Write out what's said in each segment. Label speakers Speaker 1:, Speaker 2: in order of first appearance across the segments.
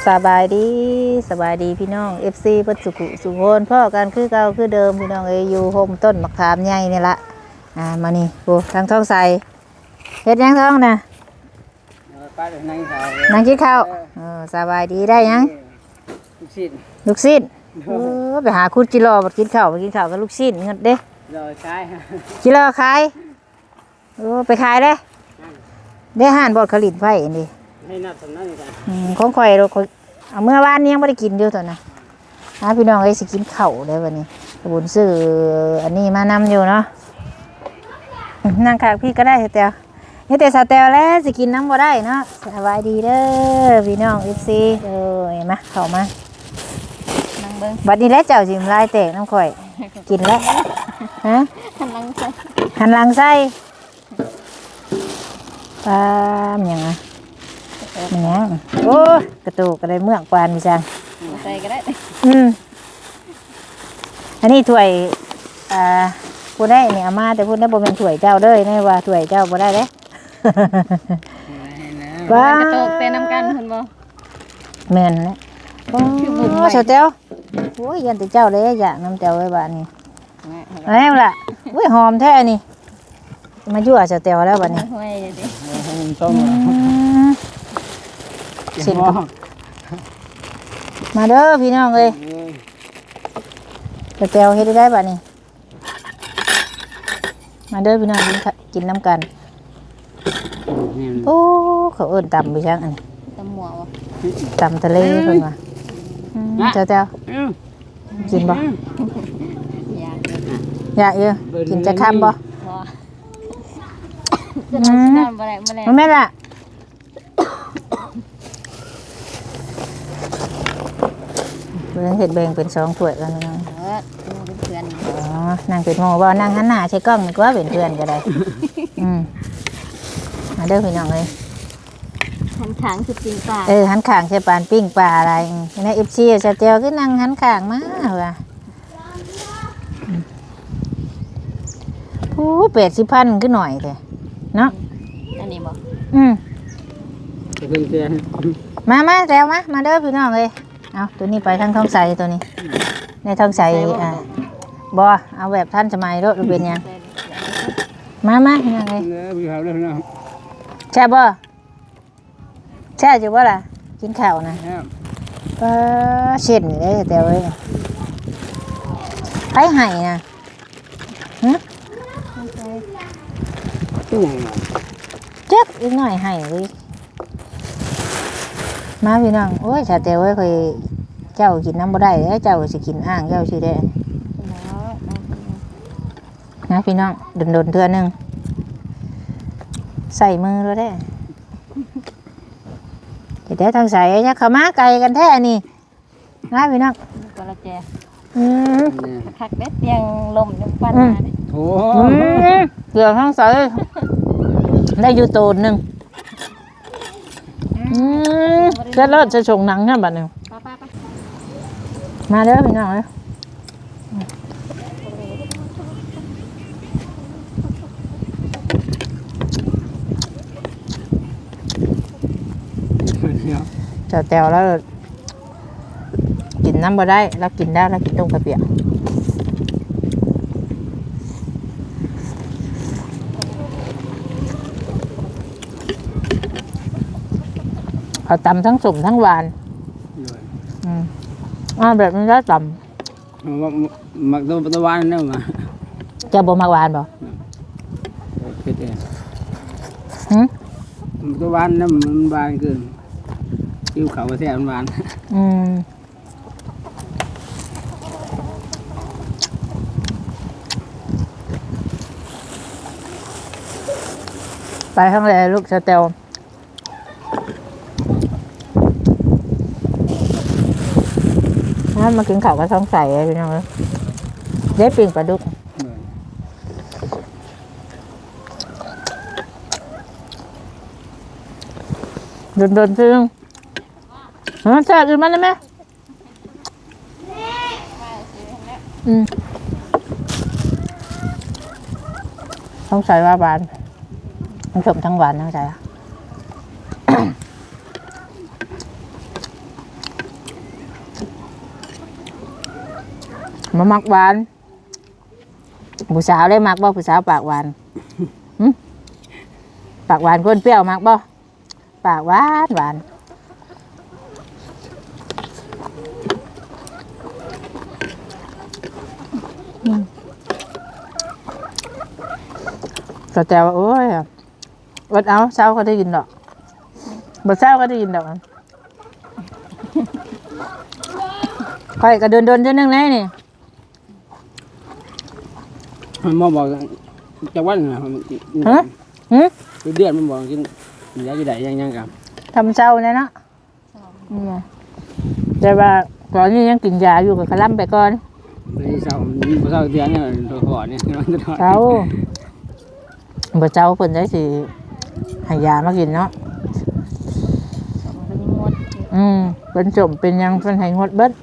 Speaker 1: สบายดีสบายดีพี่น้อง FC เพิ่นสุขุสุขนพ่อกันคือเก่าคือเดิมพี่น้องอยู่โฮมต้นมะขามใหญ่นี่ละมานี่โอ้ทางท้องใสเฮ็ดยังท้องน่ะนั่งกินข้าวสบายดีได้ยังลูกชิ้นไปหาคุดจิโร่มากินข้าวกับลูกชิ้นเงินเด้จิโร่ขายไปขายได้ห่านบอดขลิ่นไฟนี่ของข่อยเราเอาเมื่อวานนี้ยังไม่ได้กินอยู่ตอนน่ะพี่น้องสิกินข้าวได้วันนี้บุญซื้ออันนี้มานำอยู่เนาะนั่งข้างพี่ก็ได้สเตลนี่แต่สเตลแล้วสิกินน้ำบ่ได้เนาะสบายดีเด้อพี่น้องFCมาเข้ามาบัดนี้แล้วเจ้าสิมลายแตกน้ำข่อยกินแล้วฮะหันหลังไส้ปลาอย่างไงมันยังโอ้กระตูกระไดเมือกปานพี่จังใส่ก็ได้อันนี้ถ้วยพูดได้เนี่ยอามาแต่พูดได้บ่เป็นถ้วยเจ้าเด้อนี่ว่าถ้วยเจ้าบ่ได้เด้ว้ากระตูกเต้นน้ำกันเห็นบ่แม่นนะโอ้เจ้าเจ้าโอ้ยยันแต่เจ้าเลยอยากน้ำเจ้าไว้บ้านนี้แล้วล่ะอุ้ยหอมแท้นี่มายั่วเจ้าเจ้าแล้วบ้านนี้สินมาเด้อพี่น้องเลยเจ้าเจ้าเฮ็ดได้บ้านนี้มาเด้อพี่น้องกินน้ำกันโอ้เขาเอิ้นตำไปช่างอันนี้ตำหมวกตำทะเลเพิ่นว่าเจ้าเจ้ากินบ่อยากเยอะกินจะคำบ่มันแม่ล่ะเห็ดแบ่งเป็น2ถ้วยกันนะเป็นเพื่อนนั่งเป็นโมบ่นั่งหันหน้าใช้กล้องก็ว่าเป็นเพื่อนก็ได้มาเด้อพี่น้องเลยหันขางคือปิ้งปลาหันขางใช่ปานปิ้งปลาอะไรในFCจะเจียวก็นั่งหันขางมาว่ะโอ้80,000ขึ้นหน่อยเลยเนาะอันนี้บ่มาแล้วมาเด้อพี่น้องเลยเอาตัวนี้ไปทางท้องใสตัวนี้ในท้องใสบ่เอาแบบท่านสมัยรถเป็นยังมาพี่น้องเลยแช่บ่แช่อยู่บ่ล่ะกินข้าวนะก็เช่นเลยแต่เว้ยไผไห้นะเจ็บอีกหน่อยไห้เลยมาพี่น้องโอ้ยชาเตวไว้เคยเจ้ากินน้ำบ่ได้แล้วเจ้าสิกินอ่างเจ้าสิได้นะพี่น้องโดนเทื่อนึงใส่มือแล้วได้แต่ทางใส่เนี่ยเขามาไกลกันแท้นี่นะพี่น้องกระเจคักเด็ดเตียงลมยังปั้นมาดิโอ้เกี่ยวทางใส่ได้อยู่ตูนหนึ่งจะเลิศจะชงหนังเนี่ยบัดนี้มาเด้อพี่น้องเลยจะแตวแล้วกินน้ำบ่ได้แล้วกินได้แล้วกินต้มกระเปียกเอาตำทั้งสุ่มทั้งหวานแบบนี้ได้ตำ
Speaker 2: มักตัวหวานนี่มา
Speaker 1: จะบ่มักหวานบ่
Speaker 2: เผ็ดเองตัวหวานนี่มันหวานเกินกิ้วเขาแซ่บหวาน
Speaker 1: ไปข้างในลูกสเตลมากินข้าวกับท้องใสพี่น้องเลยได้ปิ่งปลาดุกโดนซึ่งแซ่บอื่นมาได้ไหมท้องใสว่าบานทั้งชมทั้งหวานทั้งใจมามักหวานผู้สาวได้มักบ่ผู้สาวปากหวานหึปากหวานคนเปรี้ยวมักบ่ปากหวานหวานแต่ว่าโอ้ยอดเอาเช้าก็ได้ยินดอกบ่เช้าก็ได้ยินดอกค่อยก็เดินๆเท่านึงแล้วนี่
Speaker 2: มันมาบอกจะวันนะ
Speaker 1: ฮะหึ
Speaker 2: เดือนมันบอกกินยาจะได้ยังกับ
Speaker 1: ทำเช้าเนี่ยเนาะแต่ว่าตอนนี้ยังกินยาอยู่กับขลั่มไปก่อน
Speaker 2: ในเสาเสาเดือนเนี่ยตัวขอเนี่ยมันจะถอด
Speaker 1: เช้าบ่เช้าเพิ่นได้สิให้ยามากินเนาะเป็นจมเป็นยังเพิ่นให้งดเบิด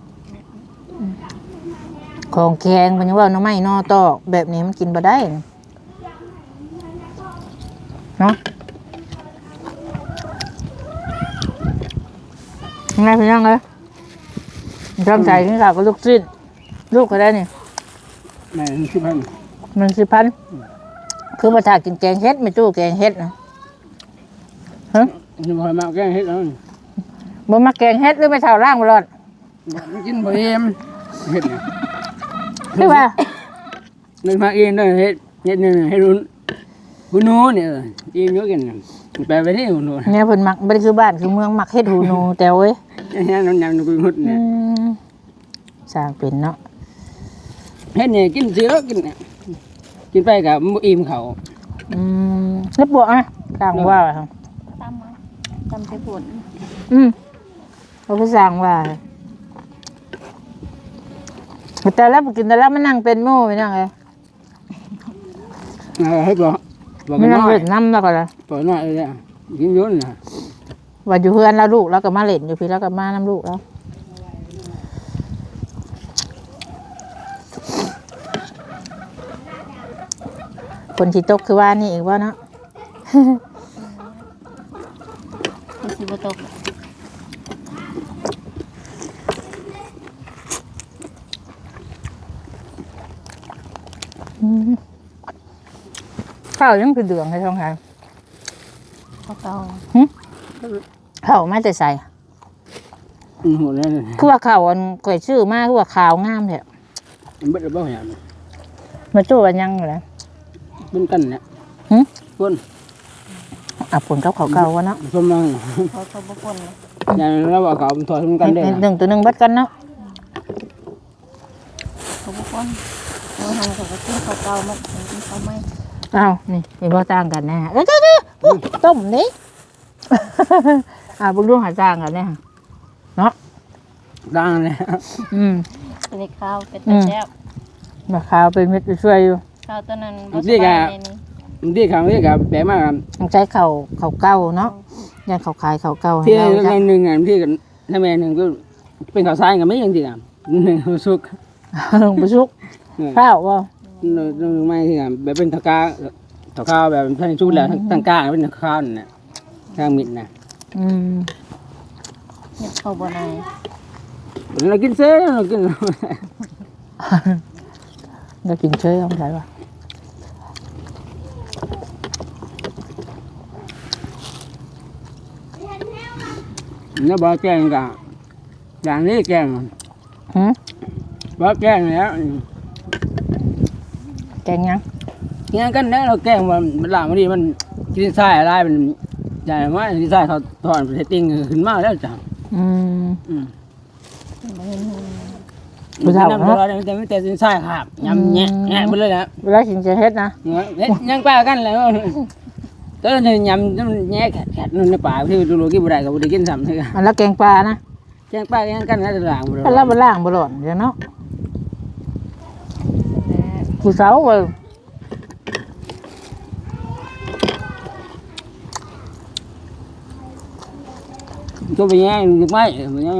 Speaker 1: ของแข็งเพิ่นว่าหน่อไม้นอตอกแบบนี้มันกินบ่ได้เนาะไงพี่น้องเอ้ยจำใจกินข้าวกับลูกชิ้นลูกก็ได้นี่
Speaker 2: แม่ชื่อพัน
Speaker 1: มัน10,000คือมาถ้ากินแกงเฮ็ดไม่ตู้แกงเฮ็ดนะฮะ
Speaker 2: นี่พอมาแก้เฮ็ดแล้ว
Speaker 1: บ่มาแกงเฮ็ดหรือไม่เท่าร่างบ่รอด
Speaker 2: กินบ่เอ็มเฮ็ดเนี่ย
Speaker 1: คือว่า
Speaker 2: นึกมาเองด้วยเฮ็ดนี่ให้รุ่นหูนูเนี่ยเองเยอะกันแปลไปที่หูนู
Speaker 1: เนี่ยเพิ่นมักบ่ได้คือบ้านคือเมืองมักเฮ็ดหูหนูแต่เว้ย
Speaker 2: เนี่ยน้ำยำนูกุยหุดเนี่ย
Speaker 1: สร้างเป็นเนาะ
Speaker 2: เฮ็ดเนี่ยกินเสือกินเนี่ยกินไปกับอิ่มเขา
Speaker 1: แล้วบวกอ่ะสร้างว่าครับ
Speaker 3: ตำใส่ผล
Speaker 1: เขาก็สร้างว่าแต่แล้วกินแต่แล้วมันนั่งเป็นหมู่ไปนั่งไง
Speaker 2: ให้บอก
Speaker 1: ไม่นั่ง
Speaker 2: น้อย
Speaker 1: เล่นน้ำแล้วก็เลย
Speaker 2: ปล่อยน้อยเลยเนี่ยกินยุ่นนะ
Speaker 1: ว่าอยู่เพื่อนแล้วลูกแล้วก็มาเล่นอยู่พี่แล้วก็มาน้ำลูกแล้วคนที่ตกคือว่านี่อีกว่าเนาะ
Speaker 3: คือสิบ่ตก
Speaker 1: ข้าวยังคือเดืองให้ท้องทาน
Speaker 3: เก่า
Speaker 1: ข้าวไม่แต่ใส่
Speaker 2: หัวเลย
Speaker 1: คือว่าข้าวอันก่อยชื่อมากคือว่าข้าวงามแท้
Speaker 2: มันเบิดบ่อย่าง
Speaker 1: มาจู้วันยังอยู่แล้ว
Speaker 2: เป็นกันเนี่ยคน
Speaker 1: ผลกับข้าวเก่าวะเนาะ
Speaker 2: สมมัง
Speaker 3: เขาบ่คนเลย
Speaker 2: อย่างเราบอกเขาถอดเป็นกันได้
Speaker 1: หนึ่งตัวหนึ่งบัดกันเนาะ
Speaker 3: เขาบ่คนเอาทางเขาก็กินข้าวเก่ามากินข้าวใหม่
Speaker 1: อ้าวนี่มีพ่อจ้างกันแน่ต้มนี่ บุญร่วงหาจ้างกันแน่เนาะ
Speaker 2: ดังเลย
Speaker 3: เป็นข้าวเป็นตะแซ่บ
Speaker 1: มาข้าวเป็นเม็ดช่วยอยู่
Speaker 3: ข้าวตัวนั้นบ่สบายเลยนี่
Speaker 2: ที่เขาที่กับแปลมาก
Speaker 1: ต้องใช้ข้าวเก่าเนาะย่างข้าวขายข้าวเก่าให้
Speaker 2: ที่
Speaker 1: เรา
Speaker 2: ใน
Speaker 1: จ้ะ
Speaker 2: หนึ่งที่กันถ้าแม่หนึ่งก็เป็นข่าวสารกันไม่ยังจริงอ่ะหนึ่งสุก
Speaker 1: ลงไปชุกข้าวว่า
Speaker 2: หนึ่งไม่ที่กันแบบเป็นตะกาตะข้าวแบบท่านชุดแล้วตั้งกาเป็นตะข้าวนี่ข้างมิดนะ
Speaker 3: เฮ็ดข้าวบ่นาย
Speaker 2: เรากินเซ่เรากิน
Speaker 1: เรากินเชยต้องใช่ป่ะ
Speaker 2: nó bỏ chén cả đàn lý chén bỏ chén nữa
Speaker 1: แกงยัง
Speaker 2: nghe cái đó là chén mà mình làm cái gì mình cái sai ở đây mình dài quá cái sai họ thọn phải tinh hình mau đó chẳng
Speaker 3: บ่เห็นหู
Speaker 1: ผู้สาว
Speaker 2: năm
Speaker 1: เนาะ
Speaker 2: rồi đây mình tên sai hạp nhầm nhẹ nhẹ bên đây nè
Speaker 1: เวลากินจะเฮ็ดนะ
Speaker 2: nhân qua cái này tới thì nhầm nhẹ khẹt khẹt nó bả thì lùi cái bữa đại cái cái sầm thôi
Speaker 1: อันละแกงปลานะ
Speaker 2: chén qua cái căn cái làm
Speaker 1: อันละบล่างบหล่อนเดี๋ยวเนาะผู้สาวเว้ย
Speaker 2: tôi về nhà được mấy về nhà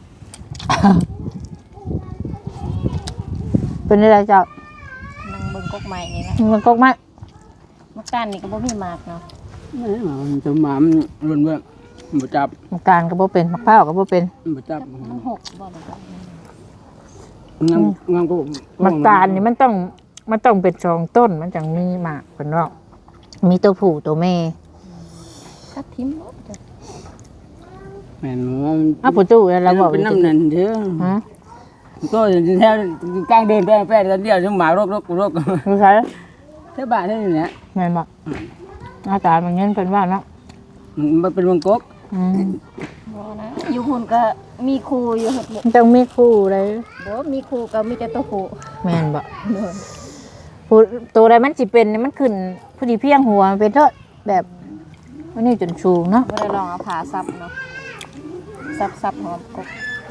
Speaker 1: เป็นอะไรเจ้า
Speaker 3: นั่งเบิ่งกกใหม่นี่แหละ
Speaker 1: มันก็ไม่
Speaker 3: มะกานนี่ก็บ่มีหมากเนาะ
Speaker 2: tôi mà luôn vậy một chập
Speaker 1: น้ำตาลก็บ่เป็นมะพร้าวก็บ่เป็น
Speaker 2: một chập
Speaker 3: มันหกบ่ล่ะครับ
Speaker 2: งามงามก็
Speaker 1: มักตาลนี่มันต้องเป็นสองต้นมันจังมีหมากเพิ่นว่ามีตัวผู้ตัวแม่
Speaker 3: ถ้าทิมหมดจ้ะ
Speaker 2: แม่น
Speaker 1: อ้าวผู้ตู้แล้วเราบอก
Speaker 2: เป็นน้ำนั่นเด้อ
Speaker 1: ฮะ
Speaker 2: ก็แถวกลางเดินไปแป้เดียวจังหมารก
Speaker 1: รู้ใช่
Speaker 2: แถวบ้านนี่แหละ
Speaker 1: แม่นบ่หน้าตามันเงี้ยเป็นว่าเนาะ
Speaker 2: มันเป็นวงกบ
Speaker 3: บ่นะอยู่หุ่นก็มีครูอยู่หั่นบ่
Speaker 1: มันต้องมีคู่เลย
Speaker 3: บ่มีครูก็มีแต่ตัวผู้
Speaker 1: แม่นบ่
Speaker 3: เด้อ
Speaker 1: ผู้ตัวใดมันสิเป็นนี่มันขึ้นผู้ดีเพียงหัวมันเป็นเถอะแบบอันนี้จนชูงเนาะ
Speaker 3: บ่ได้ลองเอาผ้าซับเนาะซับหอมกบ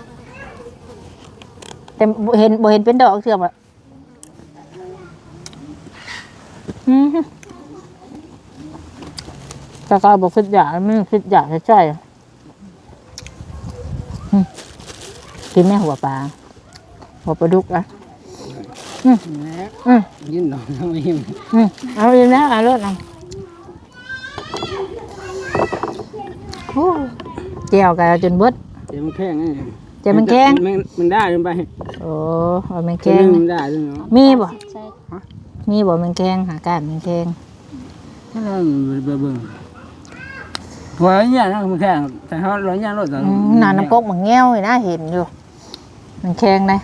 Speaker 1: แต่บ่เห็นเป็นดอกเชื่อบ่แต่ก็บอกคิดอยากมันคิดอยากใช่กินแม่หัวปลาหัวปลาดุกอ่ะ
Speaker 2: ยินดอกน้ำอิ่ม
Speaker 1: เอาอีกแล้วเอารถเอาเจียวกันจนเบิด
Speaker 2: เดี๋ยวมันแข็ง
Speaker 1: เจียวมันแข็ง
Speaker 2: มันได้ลงไป
Speaker 1: โอ้เอามันแข็ง
Speaker 2: มันได้ด้วยเนาะ
Speaker 1: มีบ่
Speaker 3: ใช่
Speaker 1: มีบ่มันแข็งหาก้านมันแข็ง
Speaker 2: นั่นเบิ่งหัวเนี่ยนะมันแข็งแต่เขาร้อนยางรถ
Speaker 1: นานน้ำกกมันแง้วอยู่นะเห็นอยู่มันแข็งเลย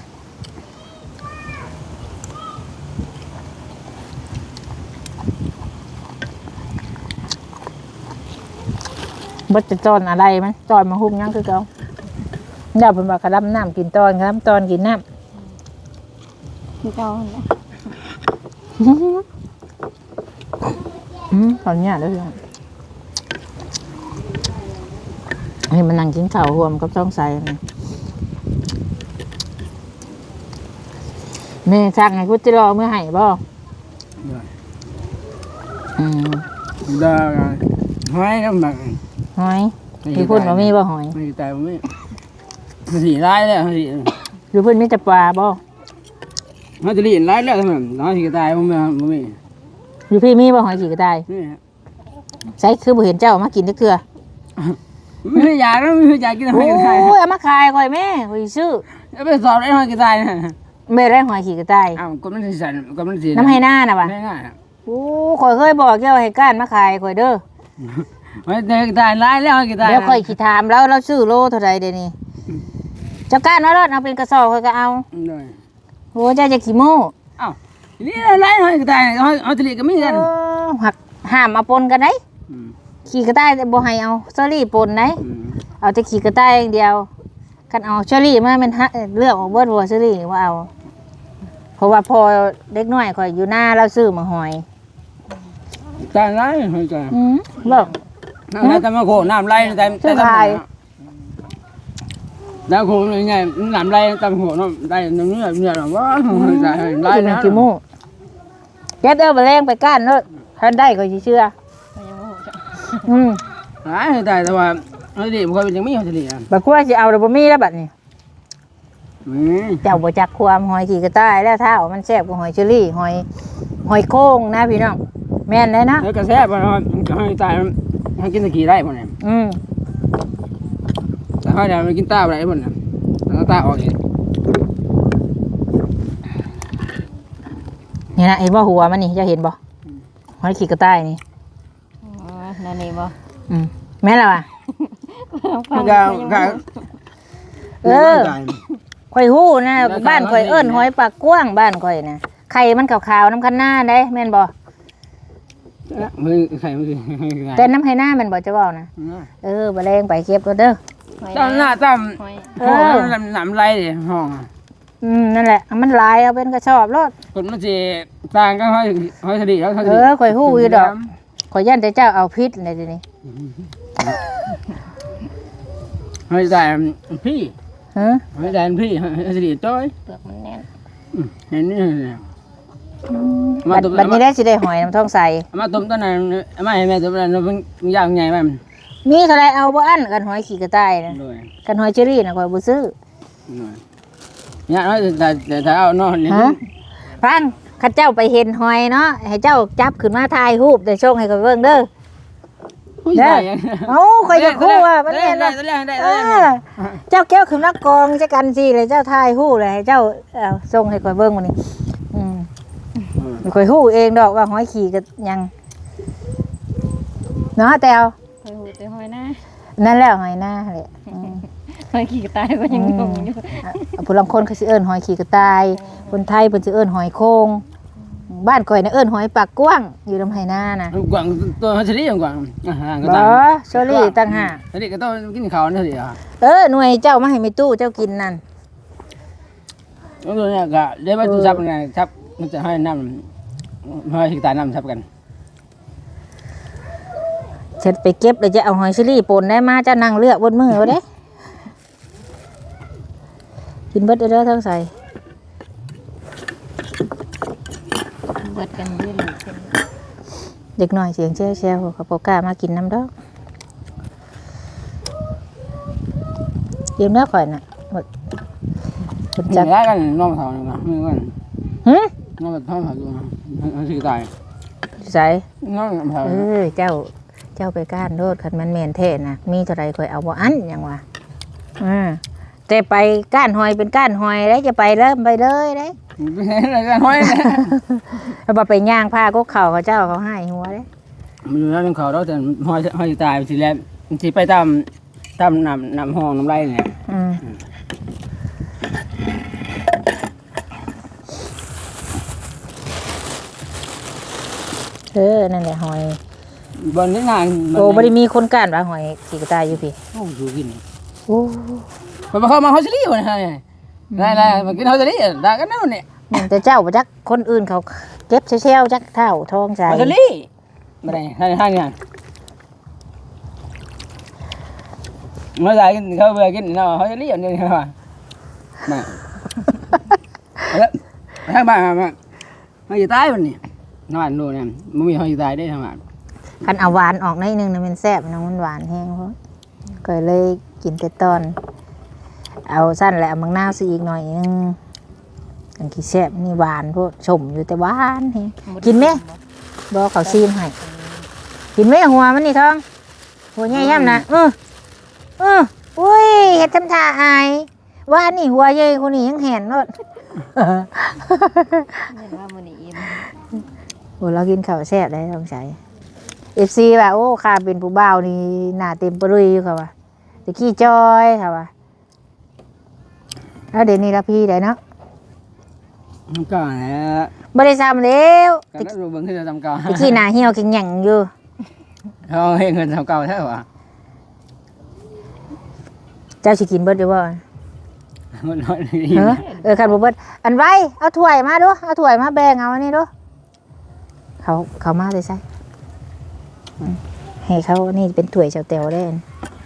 Speaker 1: บ่จะจอนอะไรมันจอนมาหุ้มยังคือเก่าเดี๋ยวเพิ่นว่ากระดำน้ำกินตอนครับตอนกินน้
Speaker 3: คือเก่าหั่นแหละ
Speaker 1: ำตอนเนี้ยเด้อนี่มันนั่งกินข้าวรวมกับช่องใส่นี่แม่สั่งให้กูจิรอเมื่อให้บ่
Speaker 2: ได้ห้อยน้ำหนัก
Speaker 1: หอยพี่พุ่นบ่มีบ่หอย
Speaker 2: ไม่แต่ไม่สีร้ายแล้วสี
Speaker 1: อยู่พุ่นมีแต่ปลาบ่
Speaker 2: เขาจะเรียนร้ายแล้วทำไมน้องสีกระต่ายมันไม่
Speaker 1: อยู่พี่มีบ่หอยขี่กระต่าย
Speaker 2: นี่
Speaker 1: ใช่คือบ่เห็นเจ้ามากินจักเทื่อ
Speaker 2: ไม่อยากแล้วไม่อยากกินหอยกระต่าย
Speaker 1: โอ้ยเอามาขายข่อยแม่ข่อยซื้อ
Speaker 2: แล้วไปสอบได้หอยกระต่ายนะ
Speaker 1: แม่ได้หอยขี่กระต่าย
Speaker 2: อ้าวก็มันสีสันก็มันสี
Speaker 1: น้ำให้หน้าน่ะว่ะ
Speaker 2: ไม่ง่าย
Speaker 1: โอ้ข่อยเคยบอกเจ้าให้ก้านมาขายข่อยเด้อ
Speaker 2: หอยกระต่ายร้ายแล้วหอยกระต่าย
Speaker 1: เดี๋ยวข่อยสิถามแล้วเราซื้อโลเท่าใดเดี๋ยวนี้เจ้าก้านมาแล้วเอาเป็นกระสอบข่อยก็เอา
Speaker 2: เลย
Speaker 1: โอ้เจ้าจะขี้โม้
Speaker 2: อ้าวนี่ร้ายหอยกระต่ายหอยทะเลก็มีกัน
Speaker 1: หักห้ามเอาปนกันได้ขี่กระต่ายบ่ให้เอาเชอรี่ปนได้เอาแต่ขี่กระต่ายอย่างเดียวคันเอาเชอรี่มามันเลือกออกเบิดบ่เชอรี่ว่าเอาเพราะว่าพอเด็กน้อยข่อยอยู่หน้าเราซื้อมาหอย
Speaker 2: ตายร้ายหอยกระต่าย
Speaker 1: เลิก
Speaker 2: น้ำแต่มาโคน้ำไหลแต่แล้วโคยังไงน้ำไหลแต่โคน้ำไหลน้ำเนื้อหรอว่าหอยกระต่ายไหล
Speaker 1: กิน
Speaker 2: แล้ว
Speaker 1: ขี้โม่เก็บเอาไปแรงไปก้านเนาะท่านได้ก็สิเชื่อ
Speaker 3: มันยังบ่ฮู้จ้ะ
Speaker 2: ร้ายหอยกระต่ายแต่ว่าหอยทะเลมันก็ยังไม่หอยทะเลอ่ะ
Speaker 1: บักกลัวสิเอาแล้วบ่มีแล้วบัดนี้เจ้าบ่จักความหอยขี่กระต่ายแล้วถ้ามันแซ่บกว่าหอยเชอรี่หอยโค้งนะพี่น้องแม่นเลยนะ
Speaker 2: แล้วกระแทกมันหอยกระต่ายมันกินตะกี้ได้หมดเนี่ย แต่หอยเนี่ยมันกินตาอะไรหมดเนี่ยแล้วตาออกอีก
Speaker 1: นี่นะเห็นบ่หัวมันนี่เจะเห็นบ่หอยขี่กระต่ายนี่
Speaker 3: อ๋อนั่นนี่บ่
Speaker 1: แม่นแล้วอ่ะ
Speaker 2: มันก็
Speaker 1: ข่อยฮู้นะบ้านข่อยเอิ้นหอยปากกว้างบ้านข่อยนะไข่มันขาวๆน้ำคันหน้าได้แม่นบ่
Speaker 2: มือใส่มือ
Speaker 1: แต่น้ำไห้หน้าแม่นบ่จะเว้านะบ่แรงไปเก็บก็เด้อ
Speaker 2: ตั้มหน้าตั้ม
Speaker 3: หอย
Speaker 2: ห้องหนำไรดิห้อง
Speaker 1: นั่นแหละมันลายเอาเป็นกระสอบรถ
Speaker 2: คนมันจะต่างกันหอยทะเลแล้วทะเล
Speaker 1: ข่อยฮู้อยู่ดอกข่อยย่านแต่เจ้าเอาพิษเลยทีนี้
Speaker 2: หอยแต่พี่
Speaker 1: ฮะ
Speaker 2: หอยแต่พี่หอยทะเลจ้อย
Speaker 3: เปลือกมันแน่น
Speaker 2: เห็นนี่
Speaker 1: บัดนี้ได้สิได้หอยน้ำท้องใส
Speaker 2: มาต้มต้นนั้นมาให้แม่ต้มนั้นมันยากใหญ่ไหม
Speaker 1: มีเท่าไรเอาบ่อั้นกันหอยขี่กระต่ายนะกันหอยเชอรี่นะข่อยบ่ซื้อ
Speaker 2: เนี่ยน้อยแต่เอานอน
Speaker 1: ฮะฟังข้าเจ้าไปเห็นหอยเนาะให้เจ้าจับขึ้นมาถ่ายรูปแต่ส่งให้ข่อยเบิ่งเด้อ
Speaker 2: ผู้ชายยัง
Speaker 1: เอ้าข่อยจะคู่ว่ามันแม่น
Speaker 2: ได้
Speaker 1: นะ
Speaker 2: ได้
Speaker 1: เจ้าแก้วขึ้นนักกองจักกันสิเลยเจ้าทายฮู้เลยให้เจ้าส่งให้ข่อยเบิ่งมื้อนี้ข่อยฮู้เองดอกว่าหอยขี่ก็ยังเนาะแต้ว
Speaker 3: หอยหูแต่หอยหน้า
Speaker 1: นั่นแหละหอยหน้าแหละ
Speaker 3: หอยขี้กระต่ายก็ยังงงอยู่
Speaker 1: ผู้ลางคนเขาสิเอิ้นหอยขี่กระต่ายคนไทยเพิ่นสิเอิ้นหอยโคงบ้านข่อยน่ะเอิ้นหอยปากกว้างอยู่ลำไหนาน่ะ
Speaker 2: กวางตัวเฉลี่ยกวางก็
Speaker 1: บ่
Speaker 2: ต่าง
Speaker 1: โซลี่ต่างหาก
Speaker 2: อันนี้ก็ต้องกินข้าวนี่สิอ่ะ
Speaker 1: หน่วยเจ้ามาให้แม่ตู้เจ้ากินนั่น
Speaker 2: แล้วตัวนี้ก็ได้มาจับไงจับมันจะให้น้ำให้ตาน้ำจับกัน
Speaker 1: เช็ดไปเก็บแล้วจะเอาหอยเชอรี่ป่นได้มาเจ้านั่งเลือกบนมือเอาเด้กินเบิดเด้อทั้งใส่
Speaker 3: เบิดกันเรื่อยเลย
Speaker 1: เด็กน้อยเสียงแช่ๆเขาบ่กล้ามากินน้ำดอกยืมเนื้อข่อยน่ะหมด
Speaker 2: จับได้กันน้องสาวนี่นะไม่กัน
Speaker 1: หึ
Speaker 2: น้องท้องสาวอยู่มันสิตาย
Speaker 1: ใส่
Speaker 2: น้องสาว
Speaker 1: เจ้าไปก้านโดดคันมันแม่นแท้น่ะมีเท่าไรข่อยเอาบ่อันหยังวะแต่ไปก้านหอยเป็นก้านหอยได้จะไปเริ่มไปเลยได้
Speaker 2: ไม่ใช่อะไรกันห้อย
Speaker 1: เอาบ่ไปย่างผ้าก็เข่าเขาเจ้าเขาให้หัวเด้
Speaker 2: มันอยู่แล้วเป็นเขาแล้วแต่ห้อยตายสิแล้วมันสิไปตามน้ำห้องน้ำไรเนี่ย
Speaker 1: นั่นแหละหอย
Speaker 2: บนนี้นาน
Speaker 1: โอ้บ่ได้มีคนก้านว่าหอยขี่กระต่ายอยู่พี่
Speaker 2: โอ้ดูกิน
Speaker 1: โอ้
Speaker 2: ไปเข้ามาเขาสิรีวะเนี่ยได้มากินเขาสิรีได้กันแล้วเนี่ย
Speaker 1: แต่เจ้าบ่จักคนอื่นเขาเก็บเชลจักเท่าทองใจ
Speaker 2: เขาสิรีไม่ได้ให้งานเมื่อไหร่กินเขาเบื่อกินเนาะเขาสิรีอย่างนี้ครับมาแล้วทางบ้านมาเขาจะตายวันนี้นอนดูเนี่ยมันมีเขาจะตายได้ทางบ้าน
Speaker 1: คันเอาหวานออกหน่อยนึงน่ะมันแซ่บน้องมันหวานแห้งเพราะก็เลยกินแต่ตอน เอาสั้นแหละมังนาวสิอีกหน่อยนึงอันขี้แซ่บนี่หวานพวกชมอยู่แต่หวานแฮงกินไหมบ่เขาซีมให้กินไหมหัวมันนี่ท้องหัวใหญ่ย่ำนะอุ้ยเฮ็ดทำท่าอายว่านี่หัวใหญ่คนนี้ยังแหนโลด
Speaker 3: เห็นว่ามื้อนี้อิ่ม
Speaker 1: โอ้เรากินข้าวแซ่บได้ต้องใช้ FC ว่าโอ้ข้าเป็นผู้บ่าวนี่หน้าเต็มปรุยอยู่ค่ะว่าตะกี้จอยค่ะว่าแล้วเดี๋ยวนี้ละพี่ได้เนาะ
Speaker 2: ก็เนี่ย
Speaker 1: บ่ได้ซ้ำแล้ว
Speaker 2: ก็รู้เบิ่งคือจะทำเก่า
Speaker 1: ตะกี้หน้าเหี่ยวแข็งหยังอยู่
Speaker 2: เขาให้เงินทำเก่าใช่ป่ะ
Speaker 1: เจ้าสิกินเบิดอยู่บ่
Speaker 2: มันน้อย
Speaker 1: คันบ่เบิดอันไว้เอาถ้วยมาดูเอาถ้วยมาแบ่งเอาอันนี้ดูเขามาเลยใส่ให้เขานี่เป็นถ้วยเจ้าแต๋วได้อัน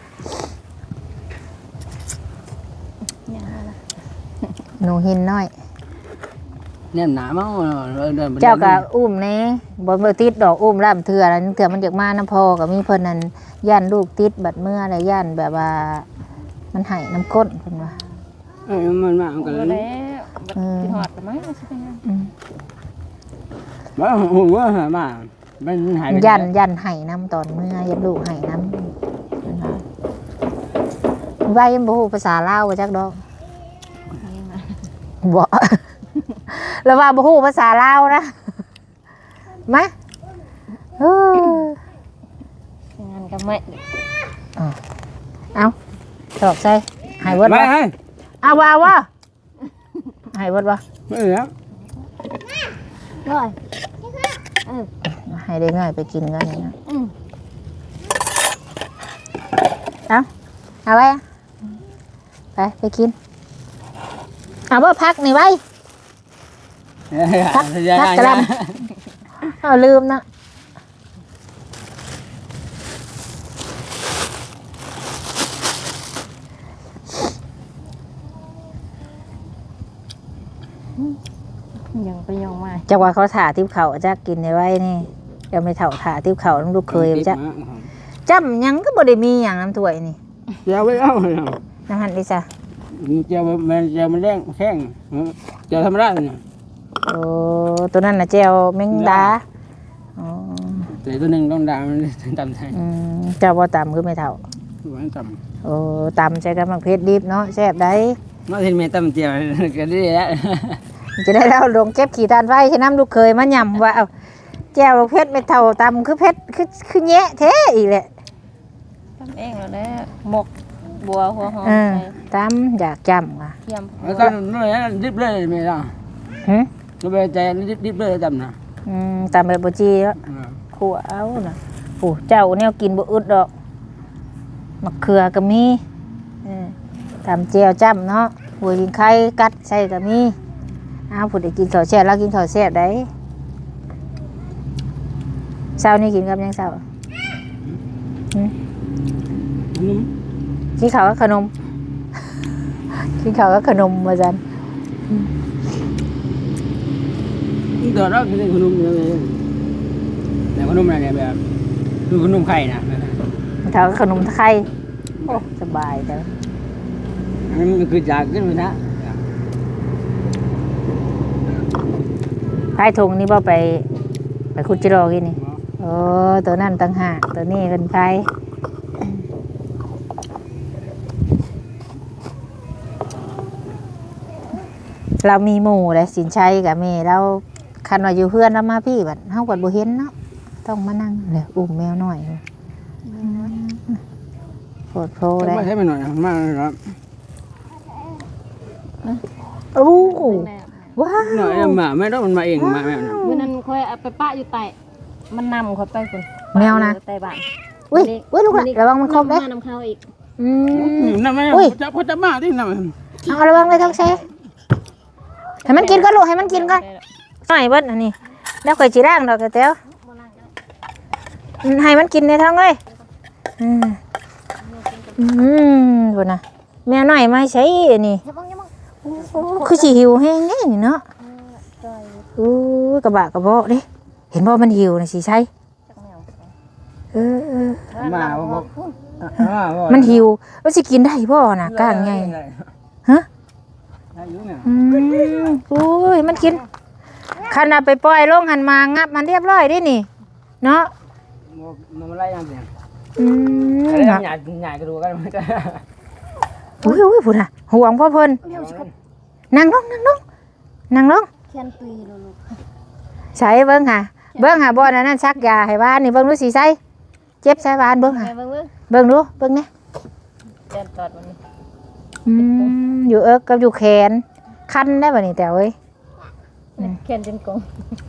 Speaker 3: อย่างนั้นล่ะ
Speaker 1: หนูหินน้อย
Speaker 2: เนี่ยหนามั้งเดิน
Speaker 1: เจ้าก็อุ้มแน่บ่ติดดอกอุ้มล่ำเถื่อแล้วเถื่อมันอยากมาน้ำพอก็มีเพิ่นนั่นย่านลูกติดบัดเมื่ออะไรย่านแบบว่ามันให้น้ำก้นเพิ่นว่า
Speaker 2: มันมากัน
Speaker 3: บ่
Speaker 2: แล้ว
Speaker 3: แล้วบัดสิฮอดแล้วมั้งสิเป็นหยัง
Speaker 2: ว่าหัวมามันหายไป
Speaker 1: ยันให้น้ำตอนเมื่อยันลูกให้น้ำเพิ่นว่าใบยังบ่ฮู้ภาษาลาวว่าจักดอก
Speaker 3: นี่มา
Speaker 1: บ่ แล้วว่าบ่ฮู้ภาษาลาวนะมาเออ
Speaker 3: งานก็ไม่
Speaker 1: เอาตอกใส่ให้เบิด
Speaker 2: ไม่
Speaker 1: บ่
Speaker 2: ให้
Speaker 1: เอาว่าให้เบิดบ่
Speaker 2: ไม่เหลือ
Speaker 3: ร้อย
Speaker 1: ให้ได้ง่ายไปกินกันนี่นะ
Speaker 3: อืม
Speaker 1: เอาไว้ไปกินเอาบ่พักนี่ไว้พักกระลำเอาลืมนะ
Speaker 3: ยังไปยังมา
Speaker 1: จักว่าเขาถ่าทิพเขาจักกินได้ไว้นี่จะไม่เถ่าถ่าทิพเขาต้องลูกเคยจักจำหยังก็บ่ได้มีอย่างน้ำถ้วยนี่
Speaker 2: เจ้าไม่เอา
Speaker 1: น้ำหันดิจ้ะ
Speaker 2: เจ้ามันแรงแข้งเจ้าทำได้เนี่ย
Speaker 1: โอ้ตัวนั้นน่ะแจวแมงดาอ๋อ
Speaker 2: แต่ตัวหนึ่งต้องดามตำไทย
Speaker 1: เจ้าบ่ตำคือไม่เท่า
Speaker 2: หวานต
Speaker 1: โอ้ตำใช้กับมักเพชรดิบเนาะแซ่บได้
Speaker 2: ำมาเห็นแม่ตำเจียวก็ได้แล้ว
Speaker 1: จะได้เล่าลงเก็บขี่ตานไฟให้น้ำลูกเคยมาย่ำว่าเอาแจ่วเพชรไม่เท่าตำคือเพชรคือแยะแท้อีกแหละ
Speaker 3: ทำเองแล้วแหละหมกบัวหัวหอม
Speaker 1: ตำอยากจำว่ะ
Speaker 3: เทียม
Speaker 2: แล้วก็นู่นนี่ดิบเลยไม่ได้
Speaker 1: หึ
Speaker 2: เราไปใจดิบเลยตำนะ
Speaker 1: ตำแบบบ่จีแล้วขัวเอาน่ะโอ้เจ้าแนวกินบ่อึดดอกมะเขือก็มีตำแจ่วจ้ำเนาะหัวลิงไข่กัดใส่ก็มีอ้าวผู้ใดกินข้าวแซ่บแล้วกินข้าวแซ่บได้เช้านี้กินกับหยังเช้า
Speaker 2: นุ่ม
Speaker 1: กินข้าวกับขนม กินข้าวกับขนมว่าซั่น
Speaker 2: เดี๋ยวเรากินขนมเลยแต่ขนมอะไรเนี่ยแบบคือขนมไข่นะ
Speaker 1: ข้าวกับขนมไข่โอ้สบายจัง
Speaker 2: มันคือจากขึ้นมานะ
Speaker 1: พายทงนี่บ่ไปคุดจิโร่กินนี่โอ้ตัวนั้นต่างหากตัวนี้เป็นไผเรามีหมู่เลยสินชัยกับแม่เราคันว่าอยู่เพื่อนเรามาพี่บัดเฮาก็บ่เห็นเนาะต้องมานั่งเลยอุ้มแมวน้อยโพดโพได้
Speaker 2: ไม่ใช่ไปหน่อยมากครับ
Speaker 1: โอ้ว้า
Speaker 2: หน่อยว หมาไม่ต้องมันมาเองมาแม่นะ
Speaker 3: มื้อนั้นค่อยเอาไปปะอยู่ใต้มันนำค่อยไปพุ่น
Speaker 1: แมวนะ
Speaker 3: ใต้บ้าน
Speaker 1: อุ้ยลูกหลานระวังมันครบเด้
Speaker 3: น้ำข้าวอีก
Speaker 2: นั่นไม่จะพอจะมาที่นั่น
Speaker 1: เอาระวังเลยท้องแช่ให้มันกินก่อนลูกให้มันกินก่อนหน่อยเบิ้ลอันนี้แล้วค่อยจีร่างดอกกระเตียวให้มันกินในท้องเลยบุญนะแมวหน่อยมาใช้อันนี้คือสิหิวแห้งนี่เนาะกระบะกระเบาะดิเห็นบ่มันหิวนะสิใช่
Speaker 2: มาบอก
Speaker 1: มันหิวว่าสิกินได้บ่น่ะก้างไงฮะอุ้ยมันกินขนาดไปปล่อยลงหันมางับมันเรียบร้อยดินี่เนาะ
Speaker 2: มันไล่ยังเสียง
Speaker 1: หยา
Speaker 2: หยาดกระดูกกันมันจะ
Speaker 1: อุ้ยพูดน่ะห่วงพ่อเพิ่นนั่งลงนั่งลง
Speaker 3: แคนตุยลูก
Speaker 1: ใส่เบิ่งหาบ่อนนั้นซักยาให้บ้านนี่เบิ่งดูสิใส่เจ็บใส่บ้านเบิ่งหา
Speaker 3: เบิ่ง
Speaker 1: เบิ่งดูเบิ่งนี่
Speaker 3: แคนตอดมันนี่
Speaker 1: อยู่เอิกกับอยู่แขนคันได้บ่นี่แต่เว้ย
Speaker 3: แคนจนกง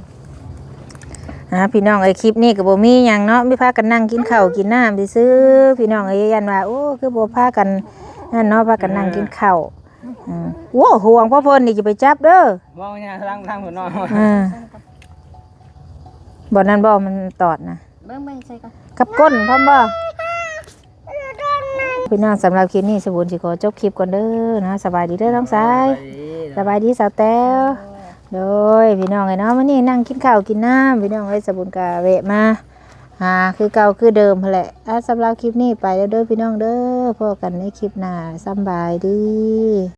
Speaker 1: พี่น้องไอ้คลิปนี้ก็บ่มีหยังเนาะมีพากันนั่งกินข้าวกินน้ำซื่อๆพี่น้องเอ้ยยันว่าโอ้คือบ่พากันนั่นเนาะพากันนั่งกินข้าวโอ้ห่วงพ่อเพิ่นนี่จะไปจับเด้อ
Speaker 2: มองเนี่ยทางหัวนอน
Speaker 1: บ่นั้นบ่มันตอดนะ
Speaker 3: เบิ่งใส่ก่อน
Speaker 1: กับก้นพร้อมบ่พี่น้องสำหรับคลิปนี้สบุญสิขอจบคลิปก่อนเด้อนะสบายดีเด้อน้องสายสบายดีสาวแต้วโดยพี่น้องไอ้เนาะมื้อนี้นั่งกินข้าวกินน้ำพี่น้องไอ้สบุญกะแวะมาคือเก่าคือเดิมแหละสำหรับคลิปนี้ไปแล้วเด้อพี่น้องเด้อพบกันในคลิปหน้าสบายดี